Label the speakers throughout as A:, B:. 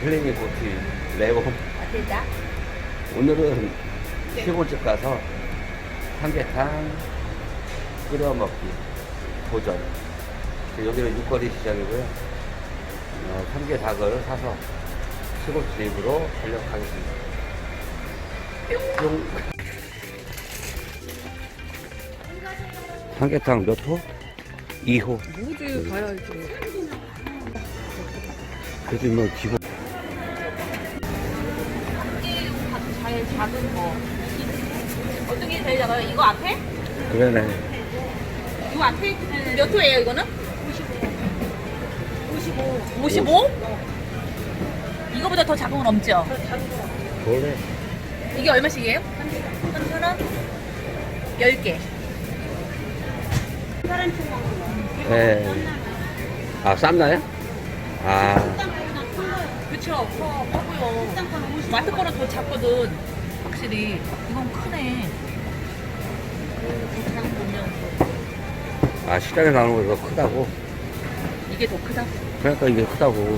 A: 플레밍 보트 레고.
B: 아, 됐다.
A: 오늘은 시골집 가서 삼계탕 끓여 먹기 도전. 여기는 육거리 시장이고요. 삼계닭을 사서 시골집으로 달려가겠습니다. 뿅. 삼계탕 몇 호? 2호.
B: 모두 가야지.
A: 그래도 뭐 기본.
B: 제일 작은 거. 어떤 게 제일 작아요? 이거 앞에?
A: 그러네.
B: 이거 앞에? 몇 호예요, 이거는? 55. 55? 이거보다 더 작은 건 없죠?
A: 그래.
B: 이게 얼마씩이에요? 3,000원? 10개.
A: 네. 아, 쌈나요? 아,
B: 그쵸, 커고요. 마트 거는 더 작거든. 확실히. 이건 크네.
A: 아, 시장에 나오는 거 더 크다고?
B: 이게 더 크다?
A: 그러니까 이게 크다고.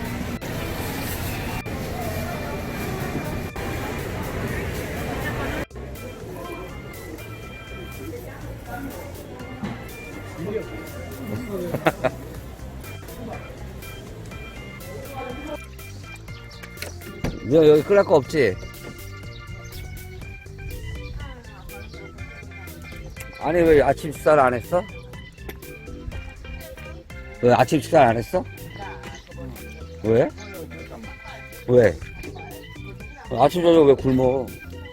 A: 너 여기 끓일 거 없지? 아니 왜 아침 식사를 안 했어? 왜 아침 식사를 안 했어? 왜? 왜? 아침 저녁 왜 굶어?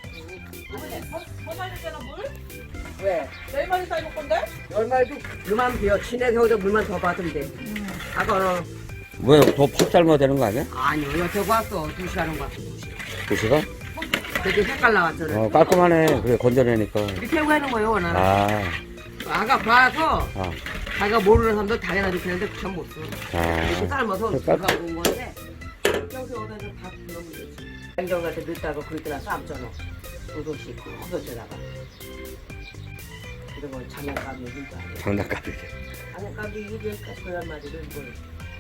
B: 더 사야 되잖아, 물?
C: 왜?
B: 내일 많이 사야 될 건데?
C: 얼마도 그만 비워. 친해 겨우도 물만 더 받으면 돼. 아까는
A: 왜 더 팍 삶아야 되는 거 아니야?
C: 아니요. 여태 왔어. 2시간 온 거 같아.
A: 2시간?
C: 되게 색깔 나왔잖아.
A: 깔끔하네. 그래 건져내니까.
C: 이렇게 태우고 하는 거예요, 오늘.
A: 아,
C: 아까 봐서
A: 아,
C: 자기가 모르는 사람도 당연하게 그랬는데 참 못 써. 이렇게
A: 아.
C: 삶아서
A: 색깔?
C: 누가 온 건데 여기 오다 다 넣으면 되지. 냉장고에 넣다가 그랬더니 삶잖아. 우도씨 커서다가 이런 건 장난감이 진짜 아니야.
A: 장난감이래.
C: 장난감이 이제까지 그런 말이를 뭘.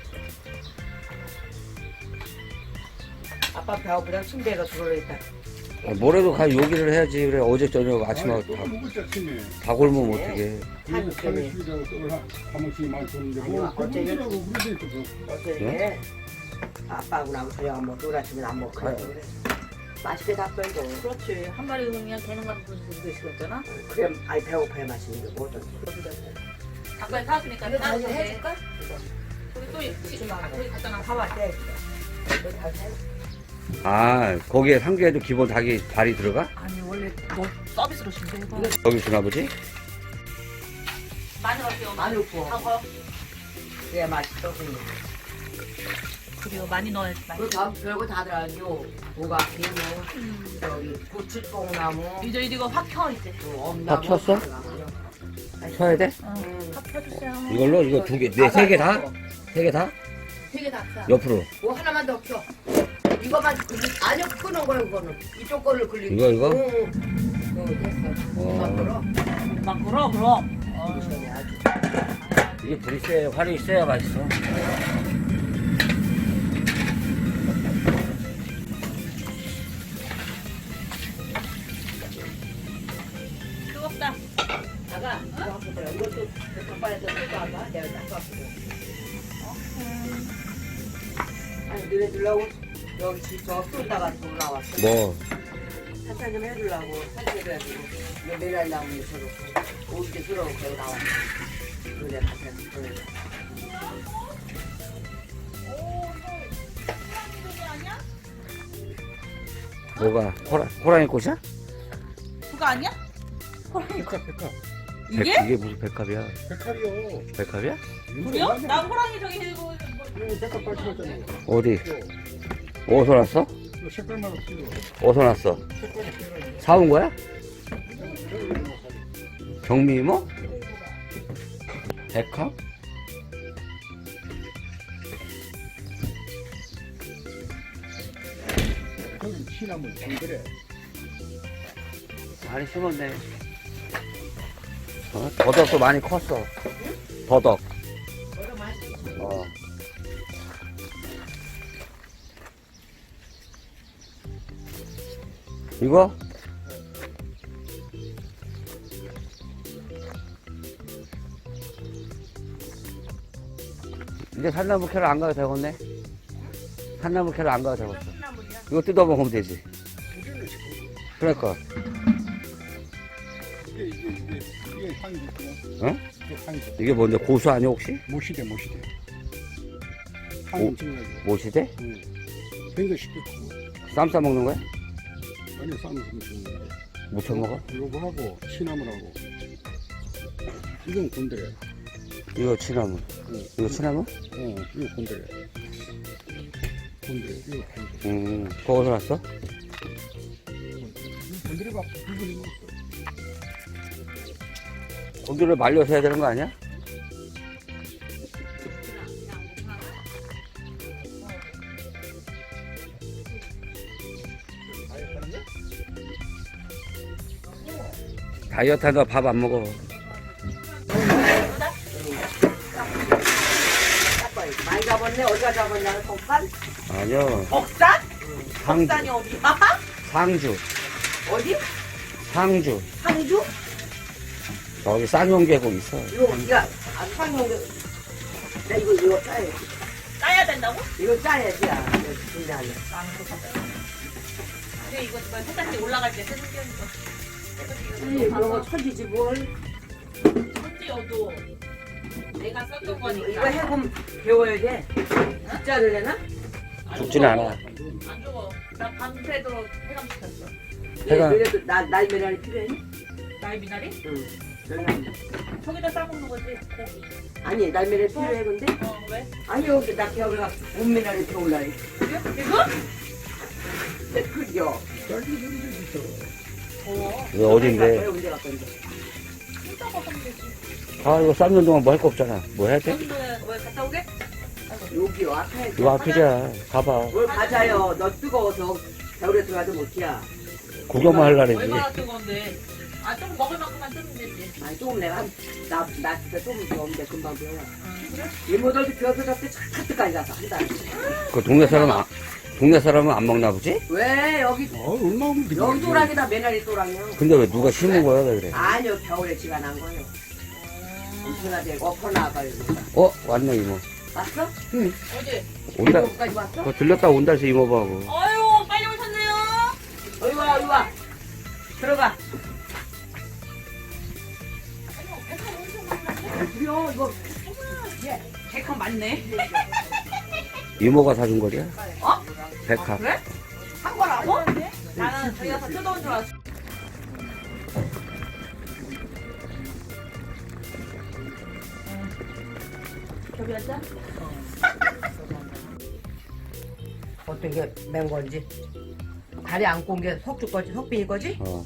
C: 아빠 배고프다 침대가 들어있다.
A: 뭐래도 가 요기를 해야지. 그래 어제 저녁 아침하고
D: 또 먹을 때 아침에
A: 다 굶으면 어떡해.
C: 한 점에.
D: 사무실이라고 떡을 한 번씩 많이 줬는데
C: 아니요,
D: 뭐
C: 어제
D: 사무실이라고 그러지 있거든.
C: 어제 아빠하고 나하고 저녁 안 먹고 우리 아침에 안 먹고 그래. 맛있게 다 끓고.
B: 그렇지. 한 마리 그냥 되는 건 무슨 시켰잖아?
C: 그래 아이 배고파야 맛있는 게 뭐든.
B: 닭발 사왔으니까
C: 이거 다시
B: 따뜻해.
C: 해줄까?
B: 우리 또 거기 갖다 놔.
C: 봐봐, 네. 이거 다시 해.
A: 아 거기에 삼계에도 기본 닭이 발이 들어가?
B: 아니 원래 너 서비스로 준대 해봐.
A: 여기 주나 보지?
B: 많이 넣을게요.
C: 많이 넣고.
B: 하고
C: 그래야 맛있어.
B: 그리고 많이 넣어야지. 많이.
C: 그 다음 별거 다 들어가죠. 뭐가 비누, 저기 고추뽕나무,
B: 이제 이거 확 켜 이제.
C: 엄나무.
A: 다 켰어? 켜야 돼?
B: 확 켜주세요.
A: 이걸로 이거 두 개, 네, 세 개 다? 세 개 다?
B: 되게 다 켜.
A: 옆으로.
C: 뭐 하나만 더 켜. 이거만 아니요 끄는 거예요 그거는. 이쪽 거를 굴리고.
A: 이거?
C: 응. 됐어.
A: 어.
C: 이거
B: 막 그럼 그럼.
C: 시원해 아주.
A: 이게 불이 세야, 활이 있어야 맛있어.
B: 뜨겁다.
C: 아가 이거 한번 들어. 이것도 닭발에서 뜯어 와봐. 내가 닦았거든. 아니 너네 들라고 여기 저 쏠다가 올라왔어.
A: 뭐,
C: 산책 좀 해주려고 산책해가지고 매달 나오는 저렇고 오게 들어오고 나왔어. 그래 가서 그래.
A: 뭐가, 호랑이 꽃이야?
B: 그거 아니야?
D: 백합.
B: 이게?
A: 이게 무슨 백합이야?
D: 백합이요.
A: 백합이야?
B: 그래요? 나 호랑이 저기 해고
D: 이거 백합 빨치웠잖아요.
A: 어디? 어디서 났어?
D: 이거 색깔만 없이도
A: 어디서 났어?
D: 색깔이 없어요.
A: 사온 거야? 경미 이모? 백합?
D: 저기 시나물 정글에
A: 많이 심었네. 더덕도 많이 컸어. 더덕. 어. 이거? 이제 산나무 캐러 안 가도 되겠네? 산나무 캐러 안 가도 되겠어.
B: 콩나물이야.
A: 이거 뜯어먹으면 되지. 그러니까.
D: 이게 향이 있구나.
A: 어?
D: 이게 향이 있어.
A: 이게 뭔데? 고수 아니야, 혹시?
D: 모시대.
A: 오.
D: 향이 찍어야지.
A: 모시대?
D: 응. 굉장히 쉽게 크고.
A: 쌈 싸먹는 거야?
D: 아니, 쌈을 좀 주는 거야.
A: 무쳐 먹어?
D: 요거하고, 시나물하고. 이건 곤드레.
A: 이거 취나무.
D: 응.
A: 이거 취나무?
D: 이거 곤드레. 곤드레. 이거 곤드레.
A: 그거 어디서 났어?
D: 곤드레가 붉은이 먹었어.
A: 곤드레를 말려서 해야 되는 거 아니야? 다이어트 하다 밥 안 먹어.
C: 많이 잡았네. 어디가 잡았냐? 덕산?
A: 아니요.
B: 덕산?
A: 상주.
B: 덕산이 어디야?
A: 상주.
C: 어디?
A: 상주.
C: 상주?
A: 저기 쌍용계곡 있어.
C: 이거 야, 상용 나 이거 짜야
B: 따야 된다고?
C: 이거 짜야지. 야, 근데 아니야.
B: 근데 이거 세상에 올라갈 때 쓰는 게
C: 그런 거 천지지 뭘.
B: 천지여도 내가 썼던 거니까.
C: 이거 해봄 배워야 돼. 숫자를 내나?
B: 안
A: 죽진
B: 죽어.
A: 않아.
B: 안 죽어. 나 밤새도록 해감시켰어.
A: 해가-
C: 그래도 날미랄이 필요해?
B: 나의 미나리?
C: 응. 별로
B: 저기다 싸먹는 거지. 고기.
C: 아니 날미랄이 필요해 근데?
B: 왜?
C: 아니 여기 나 겨울가 온미랄이 들어올라니.
B: 이거?
C: 그죠?
A: 이거 어딘데?
C: 언제 갈 건데?
B: 진짜 먹으면 되지.
A: 아, 이거 삶는 동안 뭐 할 거 없잖아. 뭐 해야 돼?
B: 여기는 왜 갔다 오게?
C: 여기 앞에.
A: 이거 앞이야. 가봐.
C: 뭘 가자요. 너 뜨거워서 겨울에 들어가도 못이야.
A: 구경만 하려는지.
B: 얼마나 뜨거운데. 아, 좀 먹을 만큼만 뜨면 되지.
C: 아니 조금 내가 나 진짜 조금 더운데 금방 배워.
B: 그래?
C: 이모들도 비어서 잡때 차트까지 가서 한 달.
A: 그 동네 사람은 안 먹나 보지?
C: 왜 여기
D: 얼마나 먹는
C: 여기 또랑이다 매날이 또랑이야.
A: 근데 왜 누가 심은 거야, 왜 그래?
C: 아니요 겨울에 지가 난 거예요. 엄청나 되고 엎어 나가지고.
A: 어? 왔네, 이모.
C: 왔어?
B: 어디?
A: 온다.
C: 이모까지 왔어?
A: 그거 들렸다 온다 해서 이모하고.
B: 아유, 빨리 오셨네요.
C: 어이 와, 어이 와. 들어가. 그래요 이거
B: 백합 맞네.
A: 이모가 사준 거야?
B: 어?
A: 백합.
B: 그래? 한 거라고? 나는 저기 가서 뜯어온 줄 알았어. 저기 앉아?
C: 어떤 게 맨 건지. 다리 안고 온 게 석주 거지, 석빈이 거지?
A: 어.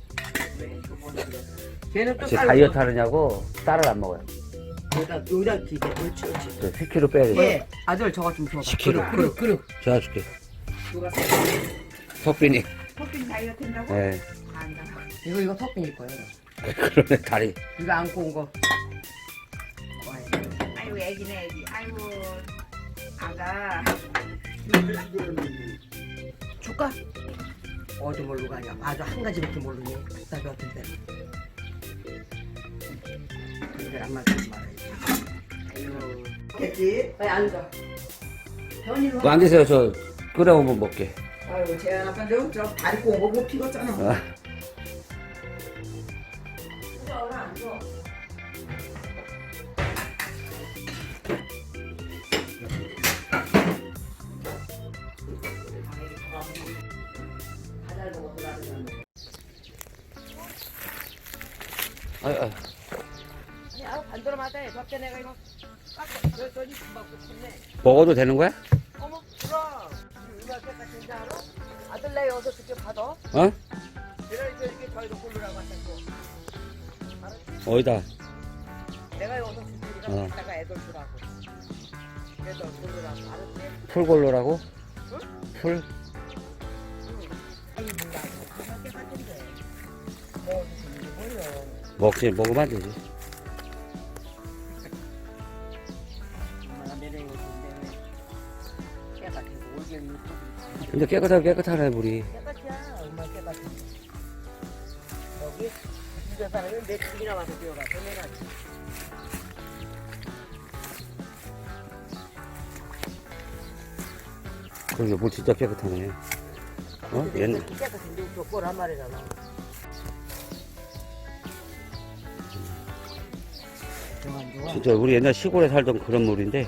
C: 걔는 또
A: 제
C: 쌀
A: 다이어트 하느냐고 쌀을 안 먹어요.
C: 여기다 기대. 그렇지, 그렇지.
A: 저 10kg 빼야 돼.
C: 예, 아들 저거 좀 줘봐.
A: 10kg.
C: 그릇.
A: 제가 줄게.
C: 누가
A: 석빈이.
B: 커피 다이어트 한다고?
A: 예.
B: 안다.
C: 이거 석빈일 거예요.
A: 그러네, 다리.
C: 이거 안고 온 거.
B: 아이고, 애기네, 애기. 아이고, 아가.
C: 줄까? 어디 모르고 가냐. 아주 한 가지밖에 모르니. 답답해 같은데. 이제 안 맞지 말아야지. 아유. 됐지? 빨리 앉아. 현이는
A: 뭐 앉으세요, 저 끓여오면 먹게.
C: 아유, 제 아빠 저 다리 꼬고 못 피웠잖아.
A: 아,
C: 앉아.
A: 아.
C: 아니, 아우 반도로마다 해. 저때 내가 이거 저기 금방 붙였네.
A: 먹어도 되는 거야?
C: 어머, 그럼 이거 때까지 알아? 아들 내 여기서 그렇게 받아.
A: 어?
C: 내가 이렇게 저희도 고르라고 하셨고. 알았지?
A: 어디다?
C: 내가 여기서 주니까
A: 어.
C: 갖다가 애들 주라고. 애들 고르라고. 알았지?
A: 풀골로라고? 풀?
C: 아니, 뭔가 안 할게 같은데. 뭐, 무슨 뭐요?
A: 먹으면 안 되지.
C: 엄마가 내려오는데 왜 깨끗하고 올겨울
A: 근데 깨끗하네, 물이.
C: 깨끗이야. 엄마 깨끗해. 집에 사람은 며칠이나 와서 뛰어가서 내가
A: 그러게 물 진짜 깨끗하네. 어? 옛날.
C: 깨끗한데 족보란 말이잖아. 안 좋아.
A: 진짜 우리 옛날 시골에 살던 그런 물인데.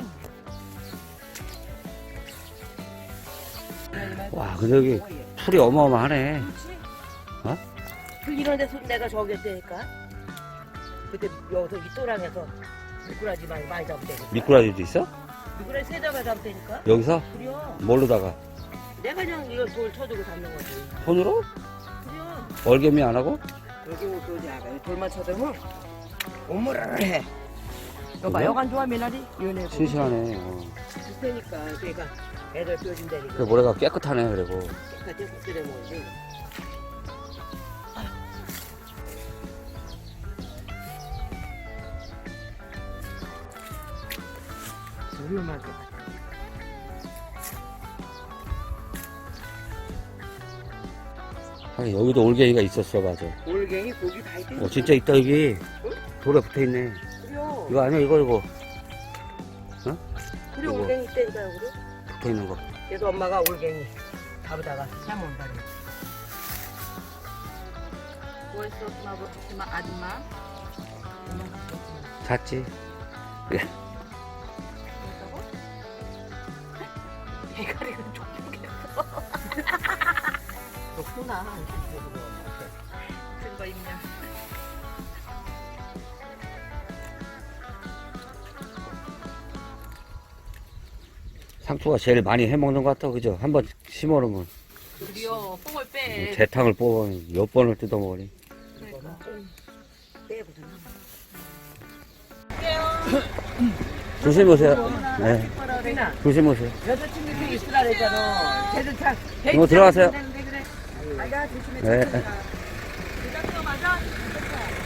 A: 와, 근데 여기 풀이 어마어마하네. 어?
C: 이런 데서 내가 저기 했다니까. 그때 여기서 윗도랑에서 미꾸라지 많이 잡대니까.
A: 미꾸라지도 있어?
C: 미꾸라지 세 잡아 잡대니까.
A: 여기서?
C: 그래요.
A: 뭘로다가?
C: 내가 그냥 이걸 돌 쳐주고 잡는 거지.
A: 손으로?
C: 그래요.
A: 얼개미 안 하고?
C: 여기 그지 아가 돌만 쳐대면 오므르르 해. 여봐
A: 그래?
C: 여간 좋아 미나리 연애.
A: 싱싱하네.
C: 그러니까 그러니까 애들 뼈준다니까.
A: 그 모래가 깨끗하네, 그리고.
C: 깨끗이 끓여 먹지. 위험할 것 같아.
A: 하긴 여기도 올갱이가 있었어, 맞아.
C: 올갱이 고기 다 있대.
A: 진짜 있다, 여기. 돌에 붙어 있네.
C: 그래요.
A: 이거 아니야, 이거.
C: 그래
A: 이거.
C: 올갱이 있다니까요 그래.
A: 붙어 있는 거.
C: 그래서 엄마가 올갱이 잡으다가 삶은다니.
B: 뭐 했어, 아줌마?
A: 잤지.
B: 뭐라고? 대가리가 족족했어.
C: 좋구나.
B: 증거 인멸.
A: 상추가 제일 많이 해먹는 것 같다, 그죠? 한번 심어놓으면.
B: 드디어 뽕을 빼.
A: 재탕을 뽑아 몇 번을 뜯어먹으니.
B: 그러니까.
C: 빼보자.
A: 조심하세요. 네. 조심하세요.
C: 여자친구 그 있으라 그랬잖아. 쟤들 참.
A: 이모 들어가세요.
C: 아야 조심해.
A: 네.
B: 부장님 맞아?